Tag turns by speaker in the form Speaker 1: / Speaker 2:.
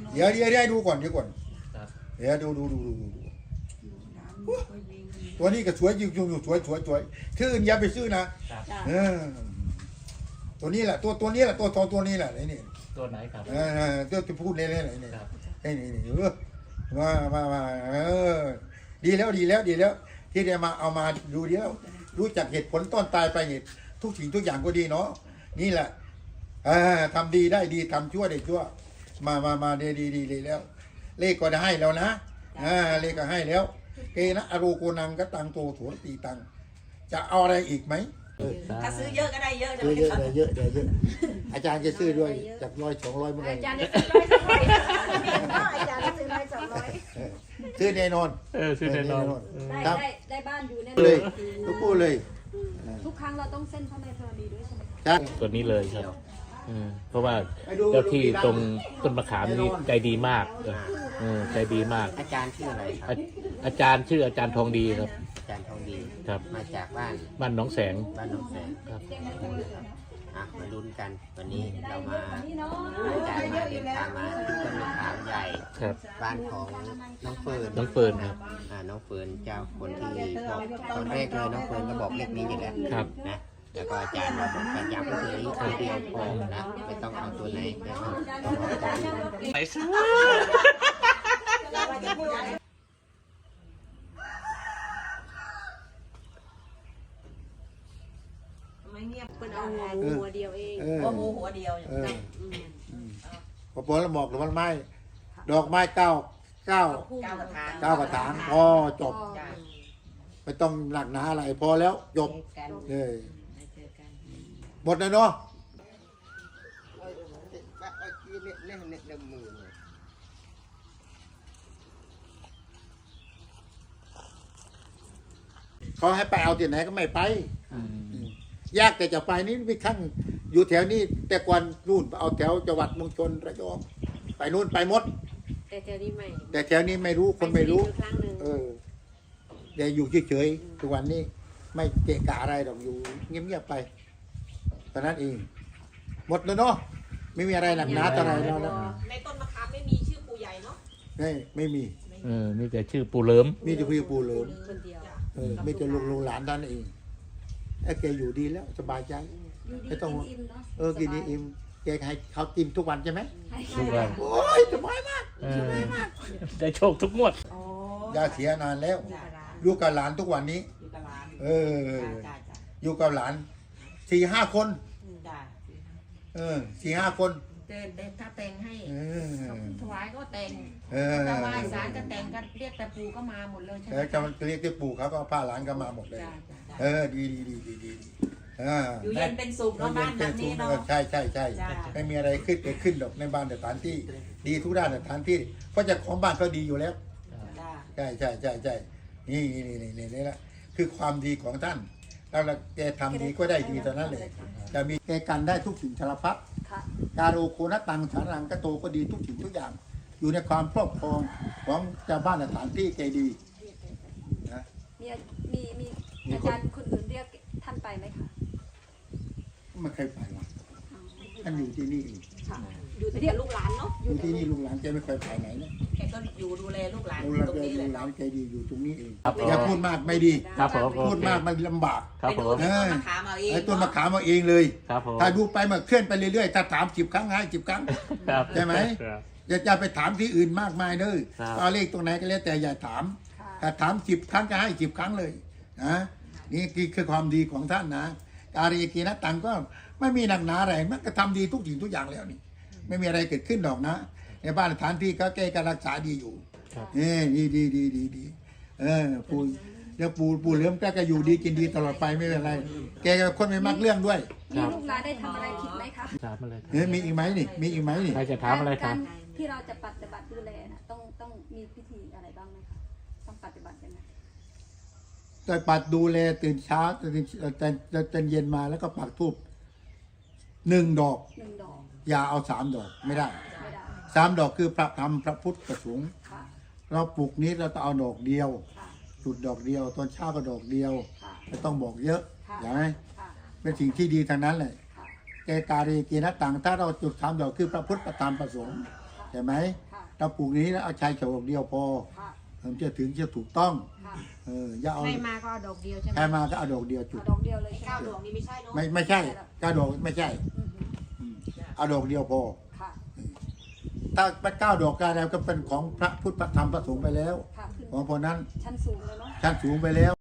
Speaker 1: เดี๋ยวดูก่อน
Speaker 2: ครับ
Speaker 1: เดี๋ยวดูตัวนี้ก็สวยจริงๆสวยชื่ออื่นอย่าไปซื้อนะครับตัวนี้แหละตัวนี้แหละตัวนี้แหละนี่
Speaker 2: ตัวไหนครับ
Speaker 1: ตัวที่พูดเล่นๆนี่
Speaker 2: ครับ
Speaker 1: นี่มาดีแล้วที่ได้มาเอามาดูเดียวรู้จักเหตุผลต้นตายไปเหตุทุกสิ่งทุกอย่างก็ดีเนาะนี่แหละทำดีได้ดีทำชั่วได้ชั่วมาดีแล้ว เลขก็ได้ให้แล้วนะเลขก็ให้แล้วเกนะอรูโกนังก็ตังโตโถตีตังจะเอาอะไรอีกไหม
Speaker 3: ถ้าซื้อเยอะก็ได้เยอะจะ
Speaker 1: เยอะอาจารย์จะซื้อด้วยจาก100-200เมื่อไหร่
Speaker 4: อาจารย์จะซื้อ100-200อาจารย์จะซื้อ100-200
Speaker 1: ซื้อแน่นอน
Speaker 2: ชื่อแน่นอน
Speaker 4: ได้บ้านอยู่แน่
Speaker 1: เลยทุกคู่เลย
Speaker 4: ทุกครั้งเราต้องเส้นพระแม่ธรณีด้วยใช่ไหม
Speaker 1: ใช่
Speaker 2: ตัวนี้เลยครับเพราะว่าเจ้าที่ตรงต้นมะขามนี่ใจดีมากใจดีมาก
Speaker 5: อาจารย์ชื่ออะไรครับ
Speaker 2: อาจารย์ชื่ออาจารย์ทองดีครับ
Speaker 5: อาจารย์ทองดี
Speaker 2: ครับ
Speaker 5: มาจากบ้าน
Speaker 2: บ้านหนองแสง
Speaker 5: บ้านหนองแสง
Speaker 2: ครับ
Speaker 5: มาลุ้นกันวันนี้เรามาอาจารย์มาเดินทางมาที่ต้นมะขามใหญ่
Speaker 2: ครับ
Speaker 5: บ้านของน้องเฟิร์น
Speaker 2: น้องเฟิร์นครับ
Speaker 5: น้องเฟิร์นเจ้าคนที่บอกตอนแรกเลยน้องเฟิร์นก็บอกเลขนี้อยู่แล้ว
Speaker 2: ครับ
Speaker 5: นะแล้วก็อาจารย์มาบอกกันย้ำก็คือนี้ตัวเดียวพอนะไม่ต้องเอาตัวไหนไม่ต้องเอาตัวอื่น
Speaker 2: ไปซะ
Speaker 3: ไม่เงียบ
Speaker 4: เป็นเอาหัวเดียวเอง
Speaker 3: ก็หมูหัวเดียวอย่างนั้น
Speaker 1: พอแล้วบอกหรือมันไม่ดอกไม้เก้าก
Speaker 3: ระถาง
Speaker 1: พอจบไม่ต้องหนักหนาอะไรพอแล้วจบเลยหมดแล้วเนาะเขาให้ไปเอาที่ไหนก็ไม่ไปยากแต่จะไปนี่พี่ขั้งอยู่แถวนี้แต่ก่อนนู่นเอาแถวจังหวัดเมืองชนระยองไปนู่นไปหมด
Speaker 4: แต่แถวนี้ไม่
Speaker 1: แต่แถวนี้ไม่รู้คนไม่รู้
Speaker 4: ปครั้งหนึ่ง
Speaker 1: เดี๋ยวอยู่เฉยๆทุกวันนี้ไม่เกะกะอะไรหรอกอยู่เงียบๆไปตอนนั้นเองหมดแล้วเนาะไม่มีอะไรหนักหนาอะไรแล้วนะ
Speaker 3: ในต้นมะขามไม่มีชื่อปู่ใหญ่เนาะ
Speaker 1: ไม่มี
Speaker 2: มีแต่ชื่อปูเหลิม
Speaker 1: มีแต่พี่ปูเหลิม
Speaker 4: คนเดียว
Speaker 1: มีแต่ลุงหลานท่านเองไอ้แกอยู่ดีแล้วสบายใจ
Speaker 4: อยู่ดี
Speaker 1: ไม่ต้อง
Speaker 4: กินอิ่มเนาะ
Speaker 1: กินนี่อิ่มแกให้เขากินทุกวันใช่ไหม
Speaker 2: ทุกวัน
Speaker 1: โอ้ยสบายมาก
Speaker 2: ได้โชคทุกงวด
Speaker 3: อ๋อ
Speaker 1: ย่าเสียนานแล้วอยู่กับหลานทุกวันนี้
Speaker 3: อยู่กับร้าน จ้า
Speaker 1: อยู่กับหลาน 4-5 คน
Speaker 3: จ้า
Speaker 1: 4-5 คน
Speaker 6: แต่ถ้าแต่งให้
Speaker 1: เออ
Speaker 6: ถวายก็แต่ง
Speaker 1: เออ
Speaker 6: ถ้าไหว้ศาลก็แต่งกันเรียกแต่ปู่ก็มาหมดเลยใช่ไหม
Speaker 1: แล้วจะเรียกที่ปู่เขาก็พาหลานก็มาหมดเลย
Speaker 6: จ้าจ้า
Speaker 1: ดี
Speaker 3: อยู่เย็นเป็นสุขเนาะบ้านแบบนี้เนาะ
Speaker 1: ใช่
Speaker 3: จ้า
Speaker 1: ไม่มีอะไรขึ้นเกิดขึ้นหรอกในบ้านสถานที่ ดีทุกด้านสถานที่เพราะเจ้าของบ้านก็ดีอยู่แล้ว
Speaker 3: จ้า
Speaker 1: ใช่นี่แหละคือความดีของท่านแล้วแกทำดีก็ได้ดีตอนนั้นเลยจะมีแกกันได้ทุกสิ่งสารพัด
Speaker 4: ค่ะ
Speaker 1: การโอโคนตังสารังกโตก็ดีทุกสิ่งทุกอย่าง อยู่ในความครอบครองของเจ้าบ้านสถานที่แกดีนะ
Speaker 4: มีอาจารย์คนอื่นเรียกท่านไปไหมคะ
Speaker 1: ไม่เคยไปหรอกท่านอยู่ที่นี่เอง
Speaker 4: ค่ะ
Speaker 3: อยู่แต่กับลูกหลานเนาะ
Speaker 1: อยู่ที่นี่ลุงหลานแกไม่เคยไปไหนนะ
Speaker 3: แกก็อยู่ดูแลลูกหลาน
Speaker 1: ลุงหลาน
Speaker 3: ตรง
Speaker 1: แก
Speaker 3: นี้
Speaker 1: ลุ
Speaker 3: เลย
Speaker 1: งหลานแกดีอยู่ตรงนี้เอง
Speaker 2: ครับผม
Speaker 1: อย่าพูดมากไม่ดี
Speaker 2: ครับผม
Speaker 1: พูดมากมันลำบาก
Speaker 2: ครับ
Speaker 3: ไป
Speaker 2: ผ
Speaker 3: ดู
Speaker 2: ม
Speaker 3: ที่ต้นมะขามเอาเอง
Speaker 1: ไอ้ต้นมะขามเอาเองเลย
Speaker 2: ครับผม
Speaker 1: ถ้าดูไปมันเคลื่อนไปเรื่อยๆถ้าถาม10 ครั้งให้10 ครั้ง
Speaker 2: ครับ
Speaker 1: ใช่ไหม
Speaker 2: ครับ
Speaker 1: อย่าไปถามที่อื่นมากมายเด้อ
Speaker 2: ครับ
Speaker 1: เอาเลขตรงไหนก็แล้วแต่อย่าถาม
Speaker 4: ค่ะ
Speaker 1: ถ้าถาม10 ครั้งก็ให้10 ครั้งเลยนะนี่คือความดีของท่านนะการีกีนะตังก็ไม่มีหนักหนาอะไรมันก็ทำดีทุกสิ่งทุกอย่างแล้วนี่ไม่มีอะไรเกิดขึ้นดอกนะ ในบ้านสถานที่ก็แก้การรักษาดีอยู่นี่ดีปู่เดี๋ยวปู่เหลื่อมก็อยู่ดีกินดีตลอดไปไม่เป็นไรแกก็คนไม่มักเรื่องด้วย
Speaker 4: มีลูกหลานได้ทำอะไรผิดไหมคะ
Speaker 2: ถามอะไรครับ
Speaker 1: มีอีกไหมนี่มีอีกไหมนี่
Speaker 2: ใครจะถามอะไรครับ
Speaker 4: กที่เราจะปฏิบัติดูแลนะต้องมีพิธีอะไรบ้างไหมคะต้องปฏิบัติยังไง
Speaker 1: แต่ปัดดูแลตื่นเช้าตื่นเย็นมาแล้วก็ปักธูป1 ดอก
Speaker 4: 1 ดอก
Speaker 1: อย่าเอา3 ดอกไม่ได้
Speaker 4: ไม่ได้
Speaker 1: 3 ดอกคือพระธรรมพระพุทธประสงค์
Speaker 4: ค่ะ
Speaker 1: เราปลูกนี้เราต้องเอาดอกเดียว
Speaker 4: ค่ะ
Speaker 1: จุดดอกเดียวตอนเช้าก็ดอกเดียว
Speaker 4: ค่ะ
Speaker 1: ไม่ต้องบอกเยอะ
Speaker 4: ค่ะ
Speaker 1: อย่างไร
Speaker 4: ค่ะ
Speaker 1: เป็นสิ่งที่ดีทางนั้นเลย
Speaker 4: ค่ะ
Speaker 1: แกการีกีนะต่างถ้าเราจุด3 ดอกคือพระพุทธประธรรมประสงค์ใช่ไหม
Speaker 4: ค่ะ
Speaker 1: เราปลูกนี้นะเอาชายเฉาดอกเดียวพอ
Speaker 4: ค่ะ
Speaker 1: มันจะถึงจะถูกต้อง
Speaker 4: ค่ะ
Speaker 1: อย่าเอา
Speaker 6: ใครมาก็เอาดอกเดียวใช่ไหม
Speaker 1: ใครมาก็เอาดอกเดียวจุด
Speaker 4: เอาดอกเดียวเลยใช่
Speaker 3: เก้า
Speaker 4: ไหม
Speaker 3: ดวงนี้ไม่ใช่เนาะ
Speaker 1: ไม่ใช่ก้าดอกไม่ใช่
Speaker 4: อืม
Speaker 1: เอาดอกเดียวพอ
Speaker 4: ค่ะ
Speaker 1: ถ้าไป9 ดอกแล้วก็เป็นของพระพุทธพระธรรมพระสงฆ์ไปแล้ว
Speaker 4: ค่ะขึ้น
Speaker 1: ของพวกนั้น
Speaker 4: ชั้นสูงเลยเนาะ
Speaker 1: ชั้นสูงไปแล้ว